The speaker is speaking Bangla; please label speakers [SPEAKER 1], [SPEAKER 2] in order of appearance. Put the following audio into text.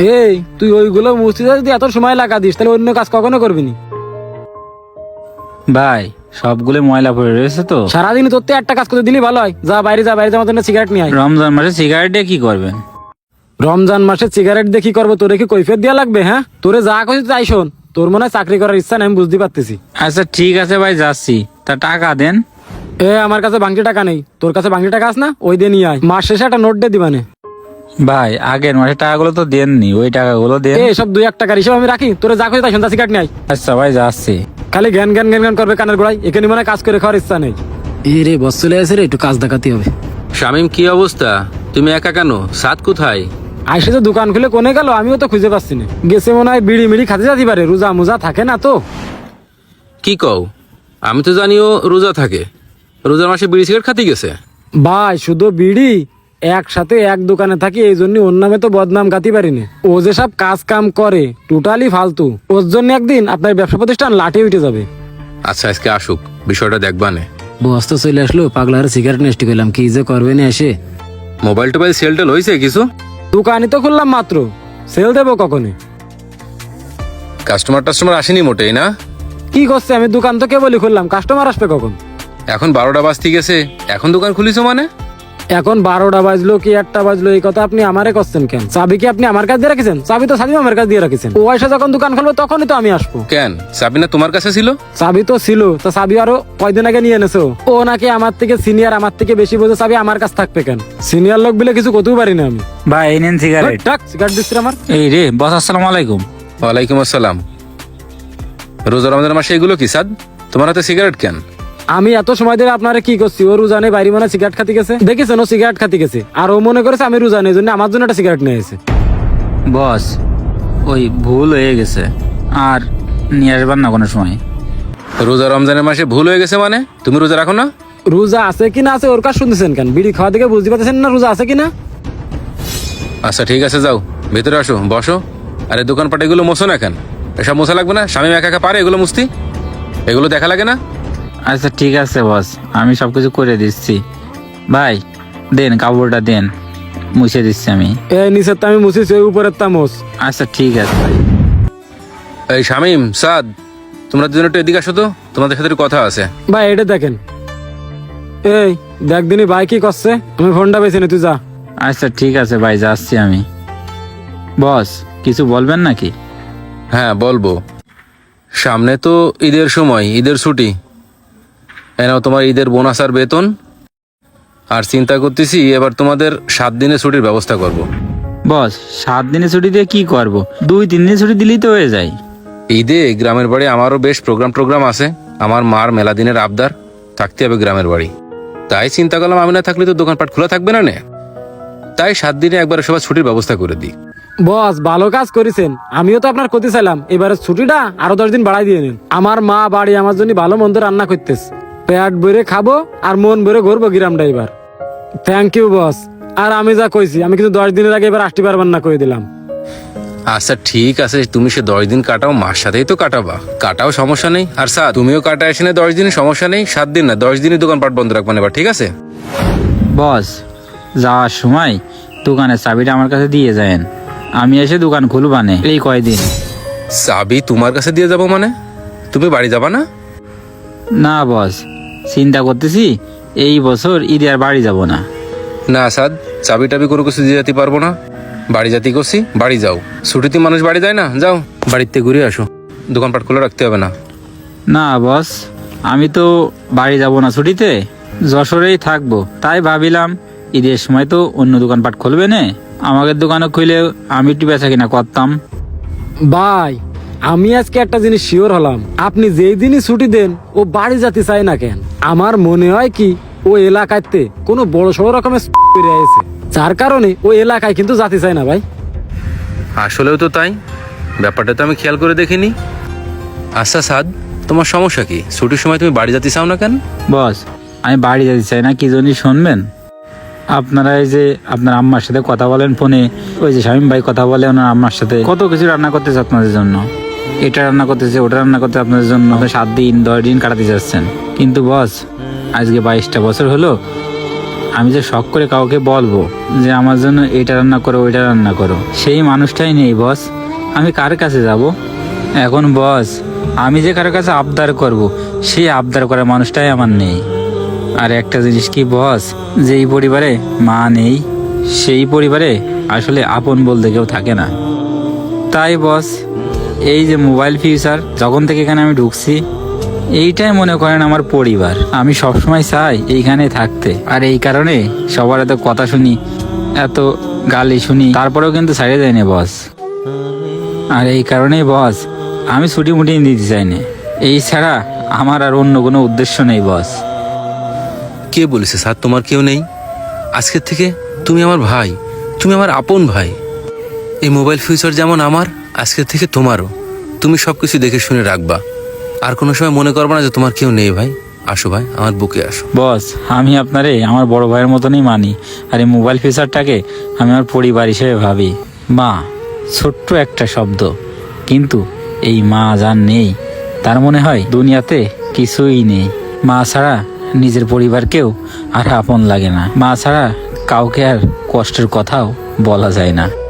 [SPEAKER 1] এই তুই ওইগুলো মুছতে যদি এত সময় লাগা দিস তাহলে অন্য কাজ কখনো করবি নি।
[SPEAKER 2] ভাই সবগুলো ময়লা পড়ে রয়েছে তো।
[SPEAKER 1] সারাদিন তোর তো একটা কাজ করতে দিলি ভালো হয়। যা বাইরে যা, বাইরে যাওয়ার জন্য সিগারেট নিয়ে আয়।
[SPEAKER 2] রমজান মাসে সিগারেট দিয়ে কি করবেন?
[SPEAKER 1] রমজান মাসে সিগারেট দিয়ে কি করবো? তোরে কি কৈফিয়ত দেওয়া লাগবে? হ্যাঁ, তোরে যা কইছি তাই শোন। তোর মনে হয় চাকরি করার ইচ্ছা নাই, আমি বুঝতে পারতেছি।
[SPEAKER 2] আচ্ছা ঠিক আছে ভাই, যাচ্ছি। তা টাকা দেন।
[SPEAKER 1] আমার কাছে বাংটি টাকা নেই। তোর কাছে বাংটি টাকা আছে না? ওই দিয়ে নিয়ে আয়। মাস শেষে একটা নোট দিয়ে দিবানে।
[SPEAKER 2] ভাই আগের মাসে টাকাগুলো তো দেননি, ওই টাকাগুলো দেন।
[SPEAKER 1] সব 2-1 টাকার হিসাব আমি রাখি। তোরে যা কইছি তাই শোন, সিগারেট নিয়ে আয়।
[SPEAKER 2] আচ্ছা ভাই, যাচ্ছি।
[SPEAKER 1] খালি জ্ঞান জ্ঞান জ্ঞান জ্ঞান করবে কানের গোড়ায়। এখানে মনে হয় কাজ করে খাওয়ার ইচ্ছা নেই। রে বস চলে আসে রে, একটু কাজ দেখাতে হবে।
[SPEAKER 3] শামিম, কি অবস্থা? তুমি একা কেন? সাদ কোথায়?
[SPEAKER 1] আইসে তো দোকান খুলে কোনে গেল, আমিও তো খুঁজে পাচ্ছি না। গেছে মনে হয় বিড়ি মিড়ি খাতে যেতে পারে, রোজা মোজা থাকে না তো।
[SPEAKER 3] কি কও? আমি তো জানিও রোজা থাকে। রোজার মাসে বিড়ি সিগারেট খাতে গেছে?
[SPEAKER 1] ভাই শুধু বিড়ি একসাথে এক দোকানে থাকি, এই জন্য ওর নামে তো বদনাম গাতি পারিনি। ও যে সব কাজ কাম করে টোটালি ফালতু। ওর জন্য একদিন আপনার ব্যবসা প্রতিষ্ঠান লাঠি উঠে যাবে।
[SPEAKER 3] আচ্ছা, আজকে আসুক, বিষয়টা দেখবানে।
[SPEAKER 1] বস তো চলে আসলো, পাগলার সিগারেট নেস্টি করলাম, কি যে করবে না এসে।
[SPEAKER 3] মোবাইল টোবাইল সেল টেল হয়েছে কিছু?
[SPEAKER 1] দোকানই তো খুললাম মাত্র, সেল দেবো কখনই?
[SPEAKER 3] কাস্টমার টাস্টমার আসেনি মোটেই না?
[SPEAKER 1] কি করছে? আমি দোকান তো কেবলই খুললাম, কাস্টমার আসবে কখন?
[SPEAKER 3] এখন 12টা বাজতে গেছে, এখন দোকান খুলিছো মানে?
[SPEAKER 1] এখন 12টা বাজলো কি 1টা বাজলো, এই কথা আপনি আমারে করছেন কেন? চাবি কি আপনি আমার কাছে দিয়ে রাখিছেন? চাবি তো সাদিম আমার কাছে দিয়ে রাখিছেন। ও এসে যখন দোকান খুলবো তখনই তো আমি আসবো।
[SPEAKER 3] কেন, চাবি না তোমার কাছে ছিল?
[SPEAKER 1] চাবি তো ছিল, তা চাবি আরো কয়দিন আগে নিয়ে এনেছো। ও নাকি আমার থেকে সিনিয়র, আমার থেকে বেশি বোঝে, চাবি আমার কাছে থাকবে কেন? সিনিয়র লোক বলে কিছু করতেও পারি না আমি।
[SPEAKER 2] ভাই এই নেন সিগারেট।
[SPEAKER 1] সিগারেট দিচ্ছি আমার।
[SPEAKER 2] এই রে বস, আসসালামু আলাইকুম।
[SPEAKER 3] ওয়ালাইকুম আসসালাম। রোজা রমজান মাসে এগুলো কি সাদ? তোমার হাতে সিগারেট কেন?
[SPEAKER 1] আমি এত সময় ধরে আপনারা কি করছি? ও রোজানে বাইরে মনে সিগারেট খাতে গেছে, দেখেছেন? ও সিগারেট খাতে গেছে আর ও মনে করেছে আমি রোজানে, এই জন্য আমার জন্য একটা সিগারেট নিয়ে এসেছে।
[SPEAKER 2] বস ওই ভুল হয়ে গেছে, আর নিয়ে আসবার না কোনো সময়।
[SPEAKER 3] রোজা রমজানের মাসে ভুল হয়ে গেছে মানে? তুমি রোজা রাখো না?
[SPEAKER 1] রোজা আছে কিনা আছে ওর কাজ শুনতেছেন কেন? বিড়ি খাওয়া থেকে বুঝতে পারতেছেন না রোজা আছে কিনা?
[SPEAKER 3] আচ্ছা ঠিক আছে, যাও ভেতরে আসো, বসো। আরে দোকানপাট এগুলো মোছো না কেন? এসব মোছা লাগবে না? স্বামী একা একা পারে এগুলো মুছতি? এগুলো দেখা লাগে না?
[SPEAKER 2] আচ্ছা ঠিক আছে বস, আমি সবকিছু করে দিচ্ছি। ভাই দেন, কাপড়টা দেন, মুছে দিচ্ছি আমি।
[SPEAKER 1] এই নিচের তা আমি মুছিছি, ওই উপরের তা মোছ।
[SPEAKER 2] আচ্ছা ঠিক আছে ভাই।
[SPEAKER 3] এই শামিম, সাদ, তোমরা দুজন একটু এদিকে আসো তো, তোমাদের সাথে একটু কথা আছে।
[SPEAKER 1] ভাই এটা দেখেন। এই দেখ দিনই ভাই কি করছে, আমি ফোনটা বেছে নি, তুই যা।
[SPEAKER 2] আচ্ছা ঠিক আছে ভাই, যাচ্ছি আমি। বস কিছু বলবেন নাকি?
[SPEAKER 3] হ্যাঁ বলবো। সামনে তো ঈদের সময়, ঈদের ছুটি। এনাও তোমার ঈদের বোনাস আর বেতন। আর চিন্তা করতেছি এবার তোমাদের 7 দিনের ছুটির ব্যবস্থা করব।
[SPEAKER 2] বস 7 দিনের ছুটি দিয়ে কি করব? 2-3 দিনের ছুটি দিলেই তো হয়ে যায়।
[SPEAKER 3] ঈদে গ্রামের বাড়ি আমারও বেশ প্রোগ্রাম আছে। আমার মার মেলা দিনের আবদার, থাকতে হবে গ্রামের বাড়ি। তাই চিন্তা করলাম আমি না থাকলে তো দোকানপাট খোলা থাকবে না। তাই 7 দিনে একবার সবার ছুটির ব্যবস্থা করে দিই।
[SPEAKER 1] বস ভালো কাজ করেছেন, আমিও তো আপনার ক্ষতি চাইলাম। এবারে ছুটিটা আরো 10 দিন বাড়াই দিয়ে নিন। আমার মা বাড়ি আমার জন্য ভালো মন্দ রান্না করতেছে, পেট ভরে খাবো আর মন ভরে ঘুরবো গ্রামটা এবার। Thank you boss. আর আমি যা কইছি, আমি কিন্তু 10 দিনের আগে এবার আসতে পারবেন না করে দিলাম।
[SPEAKER 3] আচ্ছা ঠিক আছে, তুমি সে 10 দিন কাটাও, মার সাথেই তো কাটাবা, কাটাও সমস্যা নেই। আর স্যার তুমিও কাটা এসে না 10 দিন, সমস্যা নেই। 7 দিন না 10 দিনই দোকানপাট বন্ধ রাখবেন এবার, ঠিক আছে?
[SPEAKER 2] বস যাওয়ার সময় দোকানের চাবিটা আমার কাছে দিয়ে যায়েন, আমি এসে দোকান খুলবানে এই কয়দিন।
[SPEAKER 3] চাবি তোমার কাছে দিয়ে যাবো মানে? তুমি বাড়ি যাবা না?
[SPEAKER 2] না বস, চিন্তা করতেছি এই বছর ঈদে আর বাড়ি যাব না।
[SPEAKER 3] না সাদ, চাবি টাবি কোনো কিছু দিয়ে যেতে পারবো না। বাড়ি যাতে করছি, বাড়ি যাও। ছুটিতে মানুষ বাড়ি যায় না? যাও বাড়িতে ঘুরে আসো, দোকানপাট খোলা রাখতে হবে না।
[SPEAKER 2] না বস, আমি তো বাড়ি যাব না ছুটিতে, যশোরেই থাকবো। তাই ভাবিলাম ঈদের সময় তো অন্য দোকানপাট খুলবে না, আমাদের দোকানে খুলে আমি একটু বেচা কিনা করতাম।
[SPEAKER 1] ভাই আমি আজকে একটা জিনিস শিওর হলাম, আপনি যেই দিনই ছুটি দেন ও বাড়ি যেতে চায় না কেন? আমার মনে হয় কি ও এলাকাতে কোনো বড় সড়ো রকমের করে আছে, যার কারণে ও এলাকায় কিন্তু যেতে চায় না। ভাই
[SPEAKER 3] আসলেও তো তাই, ব্যাপারটা তো আমি খেয়াল করে দেখিনি। আচ্ছা সাদ, তোমার সমস্যা কি? ছুটির সময় তুমি বাড়ি যেতে চাও না কেন?
[SPEAKER 2] বস আমি বাড়ি যেতে চাই না, কি জন্যই শুনবেন? আপনারা এই যে আপনার আম্মার সাথে কথা বলেন ফোনে, ওই যে শামীম ভাই কথা বলে ওনার আম্মার সাথে, কত কিছু রান্না করতেছে আপনাদের জন্য, এটা রান্না করতেছে ওটা রান্না করতে আপনাদের জন্য 7 দিন 10 দিন কাটাতে যাচ্ছেন। কিন্তু বস আজকে 22টা বছর হলো আমি যে শখ করে কাউকে বলবো যে আমার জন্য এটা রান্না করো ওইটা রান্না করো, সেই মানুষটাই নেই বস। আমি কার কাছে যাব এখন বস? আমি যে কারোর কাছে আবদার করব, সেই আবদার করার মানুষটাই আমার নেই। আর একটা জিনিস কি বস, যেই পরিবারে মা নেই সেই পরিবারে আসলে আপন বলতে কেউ থাকে না। তাই বস, এই যে মোবাইল ফিউচার যখন থেকে এখানে আমি ঢুকছি, এইটাই মনে করেন আমার পরিবার। আমি সবসময় চাই এইখানে থাকতে। আর এই কারণে সবার এত কথা শুনি, এত গালি শুনি, তারপরেও কিন্তু ছাড়িয়ে যায় না বস। আর এই কারণেই বস আমি ছুটি মুটি দিতে চাই না। এই ছাড়া আমার আর অন্য কোনো উদ্দেশ্য নেই বস।
[SPEAKER 3] কে বলেছে স্যার তোমার কেউ নেই? আজকের থেকে তুমি আমার ভাই, তুমি আমার আপন ভাই। এই মোবাইল ফিউচার যেমন আমার, আজকের থেকে তোমারও। তুমি সব কিছু দেখে শুনে রাখবা, আর কোনো সময় মনে করবা না যে তোমার কেউ নেই। ভাই আসো, ভাই আমার বুকে আসো।
[SPEAKER 2] বস আমি আপনারে আমার বড় ভাইয়ের মতনই মানি, আর এই মোবাইল ফিচারটাকে আমি আমার পরিবার হিসেবে ভাবি। মা ছোট্ট একটা শব্দ, কিন্তু এই মা যার নেই তার মনে হয় দুনিয়াতে কিছুই নেই। মা ছাড়া নিজের পরিবারকেও আর আপন লাগে না। মা ছাড়া কাউকে আর কষ্টের কথাও বলা যায় না।